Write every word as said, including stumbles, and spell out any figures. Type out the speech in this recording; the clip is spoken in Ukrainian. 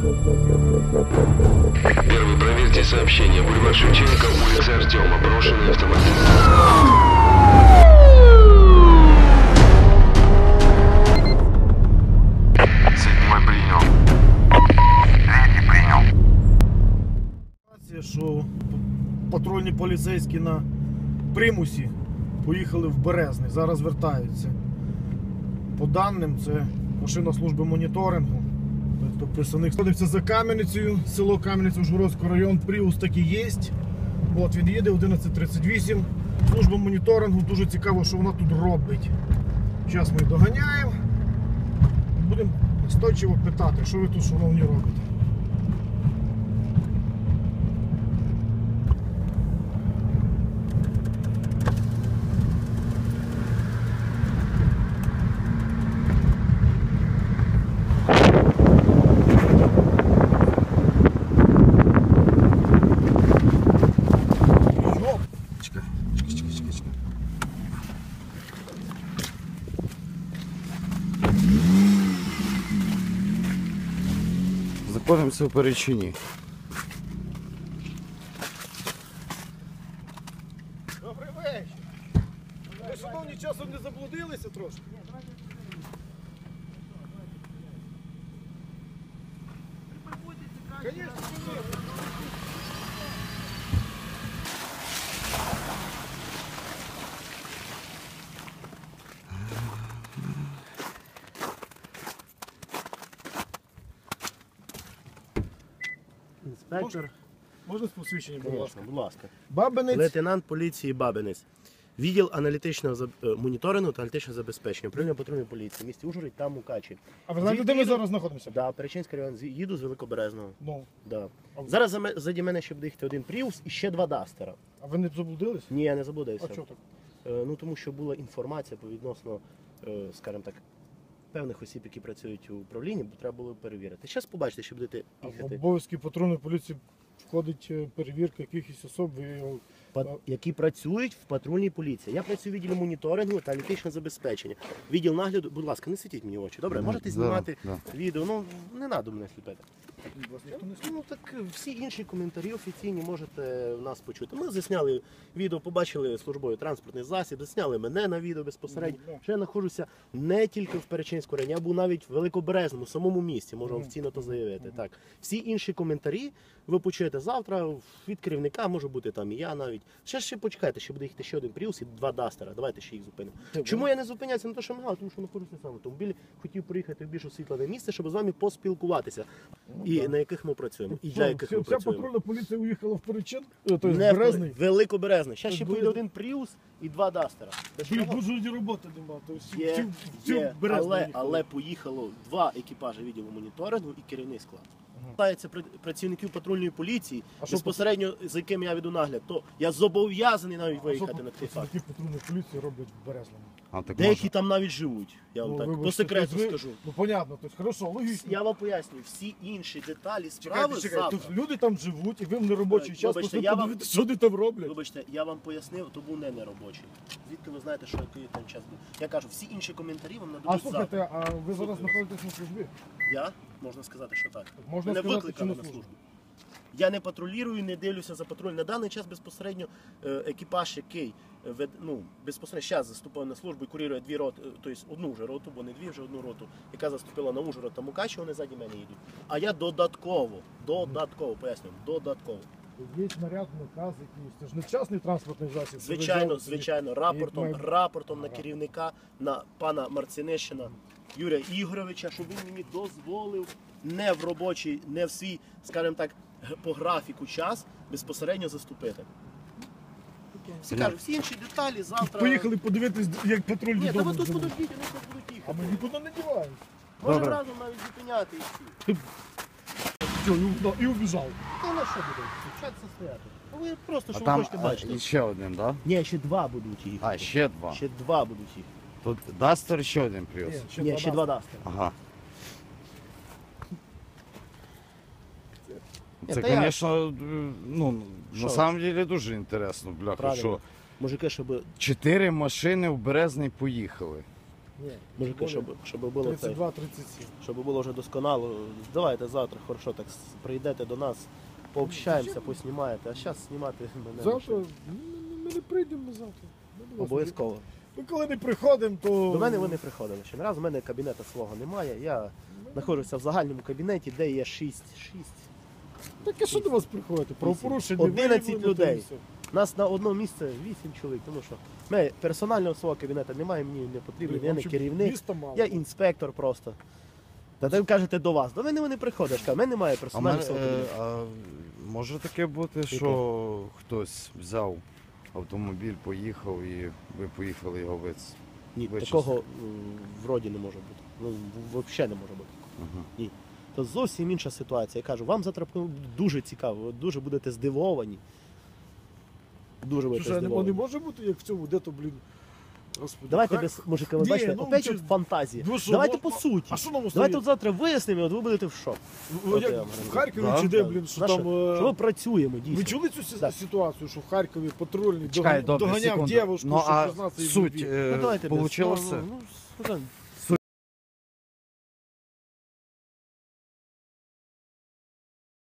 Первый, проверьте сообщение. Бульвар Шевченко, улица Артема. Брошенный автомобиль. Седьмой принял. Третий принял. Що патрульні поліцейські на примусі поїхали в Березний, зараз вертаються. По даним, це машина служби моніторингу. Тобто представник знаходиться за Кам'яницею, село Кам'яниця, Ужгородський район, Prius таки є. От він їде одинадцять тридцять вісім. Служба моніторингу, дуже цікаво, що вона тут робить. Зараз ми доганяємо. Будемо настойчиво питати, що ви тут, шановні, робите. Знаходимося в Перечині. Добрий вечір. Ви, шановні, часом не заблудилися трошки? Звісно, Інспектор. можна з посвідченням, будь ласка? Будь ласка. Бабинець. Лейтенант поліції Бабинець. Відділ аналітичного заб- моніторингу та аналітичного забезпечення. Управління патрульної поліції. Місті Ужгород та Мукачі. А ви знаєте, де ми зараз знаходимося? Да, Перечинський район. Зі- Їду з Великоберезного. Ну. Да. А ви- Зараз за ме- заді мене ще буде їхати один Prius і ще два Дастера. А ви не заблудились? Ні, я не заблудився. А чого так? Е, Ну тому що була інформація по відносно, е, скажімо так, певних осіб, які працюють у управлінні, бо треба було перевірити. Зараз побачите, що будете А в їхати. обов'язки патрульної поліції входить е, перевірка якихось особ, ви його... Па- які працюють в патрульній поліції. Я працюю в відділі моніторингу та аналітичного забезпечення. Відділ нагляду, будь ласка, не світіть мені в очі. Добре, можете Да, знімати да. відео. Ну не треба мене сліпити. Ну так всі інші коментарі офіційні можете в нас почути. Ми засняли відео, побачили службовий транспортний засіб, засняли мене на відео безпосередньо. Ну, да. Що я знаходжуся не тільки в Перечинському районі, я був навіть в Великоберезному, самому місті, можу Мгм. офіційно то заявити. Так, всі інші коментарі ви почуєте завтра від керівника, може бути там і я навіть. Ще ще почекайте, ще буде їхати ще один Prius і два Дастера. Давайте ще їх зупинимо. Чому я не зупиняюся на те, що мигав? Тому що знаходжуся сам в автомобілі, хотів приїхати в більш освітлене місце, щоб з вами поспілкуватися. І да. на яких ми працюємо, і Що, для яких вся, ми вся працюємо. патрульна поліція уїхала в Перечин? Е, Тобто в Не в Березний? Великоберезний. Ще ще Тобто поїде один Prius і два Дастера. Без Блін, чого? тут жодні роботи нема. Тобто всі- Є, всі- всі є, в Березний але, їхали. але поїхало два екіпажі відділу моніторингу і керівний склад. Стається працівників патрульної поліції, А що безпосередньо за яким я веду нагляд, то я зобов'язаний навіть А що виїхати на цей факт. працівники патрульної поліції роблять в Березному? А так Деякі може. там навіть живуть, я вам Ну, так вибачте, по секрету тобто ви- скажу. Ну, понятно, тобто, хорошо, логічно. Я вам пояснюю, всі інші деталі справи Чекайте, чекайте, завтра. тут люди там живуть, і ви в неробочий Е, час вибачте, просто я вам- подивитися, що вони там роблять. Вибачте, я вам пояснив, то був не неробочий. Звідки ви знаєте, що який там час був? Я кажу, всі інші коментарі вам А нададуть слухайте, завтра. а ви зараз знаходитесь на службі? Я? Можна сказати, що так. Можна Мене сказати, викликали чи на на службу? службу. Я не патрулюю, не дивлюся за патруль. На даний час безпосередньо е, екіпаж, який е, вед- ну, безпосередньо зараз заступив на службу і курірує дві роти, е, тобто одну вже роту, бо не дві, вже одну роту, яка заступила на Ужгород та Мукачі, вони ззаді мене їдуть. А я додатково, додатково, пояснюю, додатково. Є наряд, наказ якийсь, це ж не частний транспортний засіб. це ви Звичайно, взяли собі. звичайно, рапортом, має- рапортом на Ага. керівника, на пана Марцинишина Юрія Ігоровича, щоб він мені дозволив не в робочий, не в свій, скажімо так, г- по графіку час безпосередньо заступити. Всі кажуть, всі інші деталі завтра. Поїхали подивитись, як патруль Ні, та додому. ви тут живе. подождіть, вони тут будуть А їхати. ми нікуди не діваємось. Можемо Добре. разом навіть зупиняти і всі. Все, і, уб- і убіжав. Та на що буде? Вчаться стояти. Ну, ви просто А що ви там хочете а, бачити. і ще один, так? Ні, ще два будуть їхати. А, ще два. Ще два будуть їхати. Тут Дастер ще один Prius. Ні, Ні, ще два даст. дастера. Ага. Ні, Це, та я- звісно, ну, Що? на самом деле дуже інтересно, бляха, Правильно. що Мужики, щоб чотири машини в Березний поїхали. Ні, Мужики, щоб, щоб було це, тридцять два тридцять сім. щоб було вже досконало. Давайте завтра, хорошо, так с- прийдете до нас, пообщаємося, поснімаєте. А зараз знімати мене Завтра лише ну, ми не прийдемо завтра. Ми до вас обов'язково. не- Ми коли не приходимо, то. До мене вони приходили ще не раз. У мене кабінету свого немає. Я знаходжуся в загальному кабінеті, де є шість. шість. Так а що до вас приходити? Правопорушення одинадцять виявлено, людей. то і все. Нас на одному місці вісім чоловік, тому що ми персонального свого кабінету немає, мені не потрібно, Блін, я не вам що, керівник, міста мало? я інспектор просто. Та ви кажете до вас, до мене вони приходять, кажуть, в мене немає А, персонального мене, свого е, кабінету. а може таке бути, що хтось взяв автомобіль, поїхав і ви поїхали його виц. Ні, вичислити. такого м, вроді не може бути. Ну, в- взагалі не може бути. Угу. То зовсім інша ситуація. Я кажу, вам завтра дуже цікаво, ви дуже будете здивовані. Дуже будете Слушай, а не, здивовані. не може бути, як в цьому, де то, блін. Господи, Давайте хай- без мужика, ви Ні, бачите, ну, опять чи- от фантазії. Ну, що, Давайте ну, по суті. А що нам Давайте остає? от завтра вияснимо, от ви будете в шок. Ну, От як я вам в говорю. Харкові Да, чи де, Да. блін, що Наше- там. е, що ми працюємо дійсно. Ви чули цю сі- Да. ситуацію, що в Харкові патрульний Чекай, доган- добре, доганяв секунду. дівушку, Ну, щоб а признатися їй в суть, любві? е, Ну, давайте без- получилось ну, це? ну, ну,